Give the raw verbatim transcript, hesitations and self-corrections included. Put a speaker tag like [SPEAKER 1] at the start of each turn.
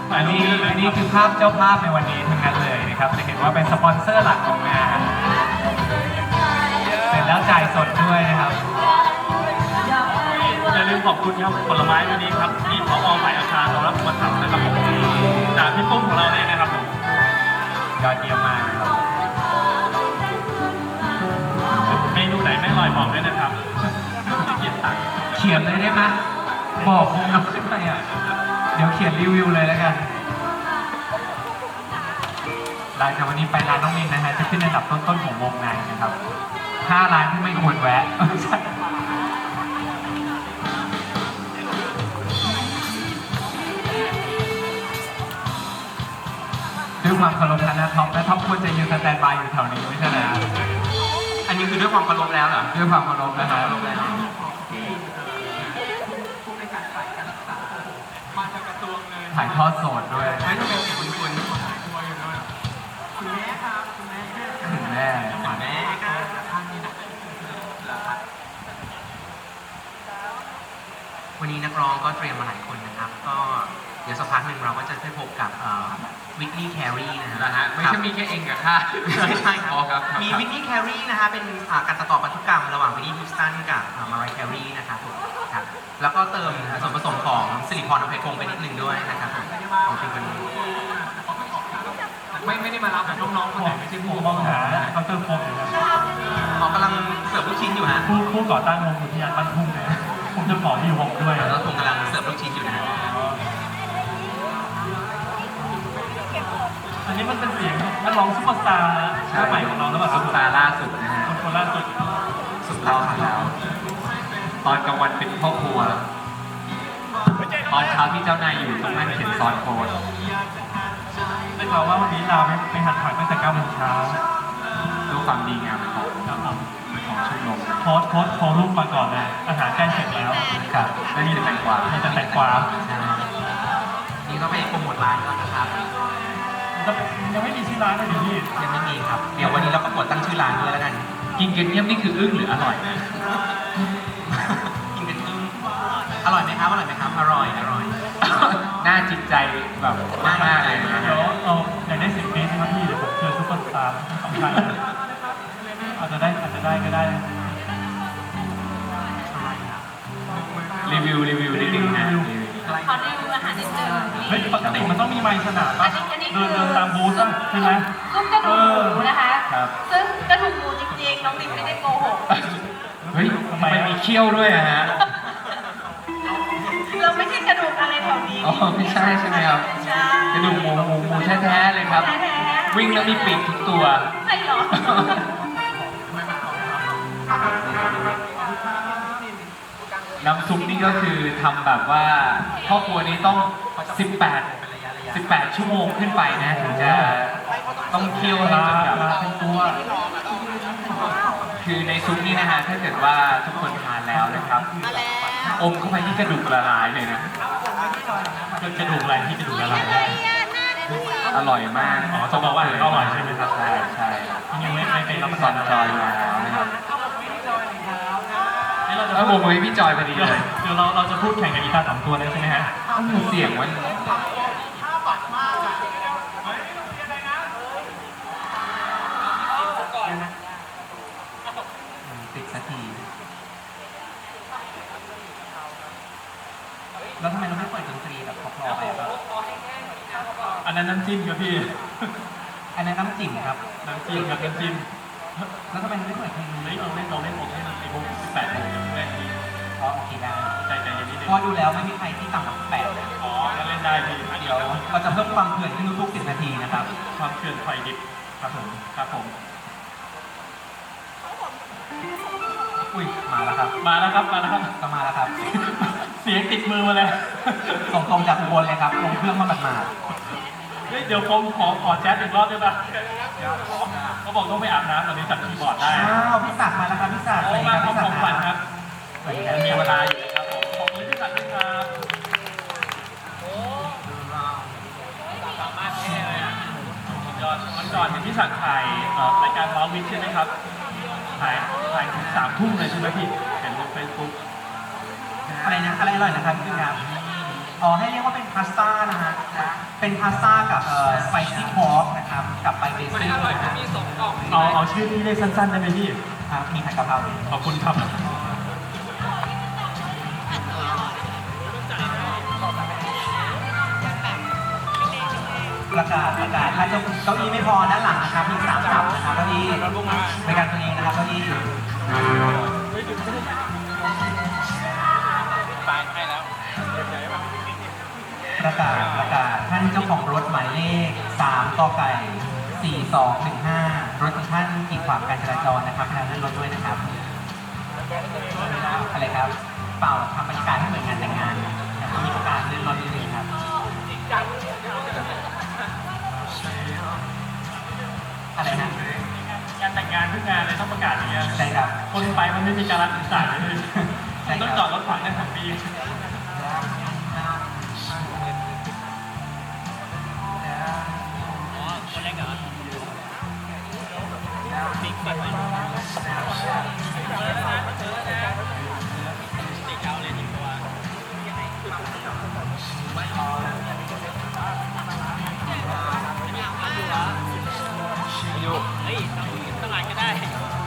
[SPEAKER 1] อันนี้อันนี้คือภาพเจ้าภาพในวันนี้ทั้งนั้นเลยนะครับจะเห็นว่าเป็นสปอนเซอร์หลักของงานเสร็จแล้วจ่ายสดด้วยนะครับ
[SPEAKER 2] อย่าลืมขอบคุณครับผลไม้วันนี้ครับที่ผอฝ่ายอาคารเรารับมาทำนะครับผมจากพี่ปุ้มของเราเนี่ยนะครับผม
[SPEAKER 1] ยอดเยี่ยมมากครับ
[SPEAKER 2] เมนูไหนไม่อร่อยบอกด้วยนะครับเขียนตัง
[SPEAKER 1] เขียนเลยได้ไหมบอกคงนำขึ้นไปอ่ะเดี๋ยวเขียนรีวิวเลยแล้วกันหลังจากวันนี้ไปร้านน้องมินนะฮะจะขึ้นอันดับต้นๆของวงในนะครับห้าร้านที่ไม่ควรแวะด้วยความเคารพนะท็อปและท็อปควรจะยืนสแตนบายอยู่แถวนี้ไม่ใช่นะ
[SPEAKER 3] อันนี้คือด้วยความเคารพแล้วเหรอ
[SPEAKER 1] ด้วยความเคารพนะฮะถ่ายทอดสดด้วย
[SPEAKER 3] ไม่ต้องเป็นคุณคุณ
[SPEAKER 1] คุณแม่ครับคุณแม่คุณแม่
[SPEAKER 3] คุณแม่วันนี้นักร้องก็เตรียมมาหลายคนนะครับก็เดี๋ยวสักพักหนึ่งเราก็จะได้พบกับวิกกี้แครีนะฮะ
[SPEAKER 1] ไม่ใช่มีแค่เองกับข้า
[SPEAKER 3] ใช่ครับมีวิกกี้แครีนะฮะเป็นการตัดต่อพันธุกรรมระหว่างวินนี่ฮิวสตันกับมารายแครีนะครับผมครับแล้วก็เติมส่วนผสมของสิริพรอภัยพงศ์ไปนิดนึงด้วยนะครับผมของซิงเกิลนี้
[SPEAKER 1] ไม่ไม่ได้มารับแต่น้องๆคนไหนไม่ใช่ผู้มองหาเขาเติมโฟมอยู่นะ
[SPEAKER 3] เขากำลังเสิร์ฟลูกชิ้นอยู่ฮะ
[SPEAKER 1] ผู้ผู้ก่อตั้งวงอุทยานบ้านทุ่งนะผมจะขอที่วงด้วย
[SPEAKER 3] แล้วผมกำลังเสิร์ฟลูกชิ้นอยู่นะ
[SPEAKER 1] อันนี้มันเป็นเสียงนักร้องซุปเปอร์สตาร์หน้าใหม่ของเราแล้วแบบ
[SPEAKER 3] ซุปเปอร์สตาร์ล่าสุดนะฮะ
[SPEAKER 1] คนคนล่าสุด
[SPEAKER 3] สุดยอดแล้ว
[SPEAKER 1] ตอนกลางวันเป็นพ่อครัวตอนเช้าที่เจ้านายอยู่ต้องนั่งเขียนซอสโค้ดได้ข่าวว่าวันนี้ลาไปไปหัดผักตั้งแต่เก้าโมงเช้า
[SPEAKER 3] ดูความดีงามของ
[SPEAKER 1] ของชมรมโค้ดโค้ดโค้ดรูปมาก่อนเลยอาหารใกล้เสร็จแล้ว
[SPEAKER 3] ครับ
[SPEAKER 1] แล้วนี่จะแตงกวานี่จะแตงกวา
[SPEAKER 3] นี่ก็ไปโปรโมทร้านแล้วนะครับ
[SPEAKER 1] ยังไม่มีชื่อร้านเลยพี่
[SPEAKER 3] ยังไม่มีครับเดี๋ยววันนี้เราประกวดตั้งชื่อร้านด้วยแล้วกัน
[SPEAKER 1] กินกันเงียบนี่คืออึ้งหรืออร่อย
[SPEAKER 3] กินกันอึ้งอร่อยไหมครับอร่อยไหมครับอร่อยอร่อย
[SPEAKER 1] น่าจิตใจแบบมากมากเลยนะเดี๋ยวเอาอยากได้สิบปีใช่ไหมพี่เดี๋ยวผมเชิญซุปเปอร์สตาร์สองท่านอาจจะได้อาจจะได้ก็ได้รีวิวรีวิวนิดนึงนะ
[SPEAKER 4] ขอรีวิวอาหารนิดนึง
[SPEAKER 1] เฮ้ยปกติมันต้องมีไมค์สนามป่ะเดินเดินตามบูธใช่ไหม
[SPEAKER 4] ซุ้มกระดูกหมูนะคะซึ่งกระดูกหมูจริงๆน้องติ๊กไม่ได้โกหก
[SPEAKER 1] เฮ้ยทำไมมีเขี้ยวด้วยอะฮะ
[SPEAKER 4] เราไม่ใช่กระดูกอะไรแถวนี้
[SPEAKER 1] อ๋อไม่ใช่ใช่ไหมครับกระดูกหมูหมูหมูแท้ๆเลยครับวิ่งแล้วมีปีกทุกตัว
[SPEAKER 4] ใช่หรอ
[SPEAKER 1] น้ำซุปนี่ก็คือทำแบบว่าครอบครัวนี้ต้องสิบแปด สิบแปดชั่วโมงขึ้นไปนะถึงจะต้องเคี่ยวให้จนแบบเป็นตัวคือในซุปนี่นะฮะถ้าเกิดว่าทุกคนทานแล้วนะครับอมเข้าไปที่กระดูกละลายเลยนะกระดูกอะไรที่กระดูกละลายได้อร่อยมากอ๋อจะบอกว่าอร่อยใช่ไหมครับใช่ใช่ยังไม่ไม่ไปรับประทานจอยมาแล้วนะครับแล้วโมโมพี่จอยพอดีเลยเดี๋ยวเราเราจะพูดแข่งกับอีตาสองตัวเลยใช่ไหมฮะเสียงมันติดสักทีแล้วทำไมเราไม่เปิดดนตรีแบบพอๆไปครับอันนั้นน้ำจิ้มครับพี่อันนั้นน้ำจิ้มครับน้ำจิ้มครับน้ำจิ้มแล้วทำไมเราไม่เปิดเพลงนี้เราเล่นเราเล่นผมให้มันไอ้พวกสิบแปดโมงจะแรกนี้อ๋อโอเคได้ใจใจเย็นนิดนึงพอดูแล้วไม่มีใครที่ต่ำกว่าแปดอ๋อก็เล่นได้พี่เดี๋ยวเราจะเพิ่มความเผื่อนขึ้นทุกๆสิบนาทีนะครับความเผื่อนไฟดิบครับผมครับผมอุ้ยมาแล้วครับมาแล้วครับมาแล้วครับก็มาแล้วครับเสียงติดมือมาเลยส่งตรงจากอุบลเลยครับลงเครื่องมาแบบมาเฮ้ยเดี๋ยวผมขอขอแจ๊สอีกรอบได้ปะเขาบอกต้องไปอาบน้ำตอนนี้จัดคีย์บอร์ดได้อ้าวพี่ศักดิ์มาแล้วครับพี่ศักดิ์มาพร้อมของฝันครับมีเวลาอยู่ครับผมขอบคุณพี่ศักดิ์ด้วยครับสามารถแค่เลยอ่ะยอดวันก่อนเห็นพี่ศักดิ์ถ่ายรายการร้องวิทย์ใช่ไหมครับถ่ายถ่ายถึงสามทุ่มเลยใช่ไหมพี่เห็นลงเฟซบุ๊กอะไรนะอะไรอร่อยนะครับพี่ครับอ๋อให้เรียกว่าเป็นพาสต้านะฮะเป็น
[SPEAKER 3] เป็นพาสต้ากับเอ่อสไปซี่พอร์กนะครับกับไปเบซิลนะฮะ
[SPEAKER 2] เอาเอาชื่อที่เรียกสั้นๆได้ไหมพี่
[SPEAKER 3] ครับมีผัดกะเพรา
[SPEAKER 2] ขอบคุณครับ
[SPEAKER 3] ประกาศประกาศถ้าเจ้าเก้าอี้ไม่พอด้านหลังนะครับมีสามตับนะครับเก้าอี้บริการตัวเองนะครับเก้าอี้ประกาศประกาศท่านเจ้าของรถหมายเลขสามกไก่สี่สองหนึ่งห้ารถของท่านกีดขวางการจราจรนะครับพนักงานรถด้วยนะครับอะไรครับเปล่าทำบรรยากาศให้เหมือนงานแต่งงานแต่ก็มีประกาศเลื่อนรถนิดนึงครับอะไรนะ
[SPEAKER 2] งานแต่งงานทุกงานเลยต้องประกาศอย่างเงี้ย
[SPEAKER 3] ใช่ครับ
[SPEAKER 2] คนไปมันไม่มีการรัฐสายเลย
[SPEAKER 3] ใช่ครับ
[SPEAKER 2] ต้องจอดรถขวางได้สองปี
[SPEAKER 3] เ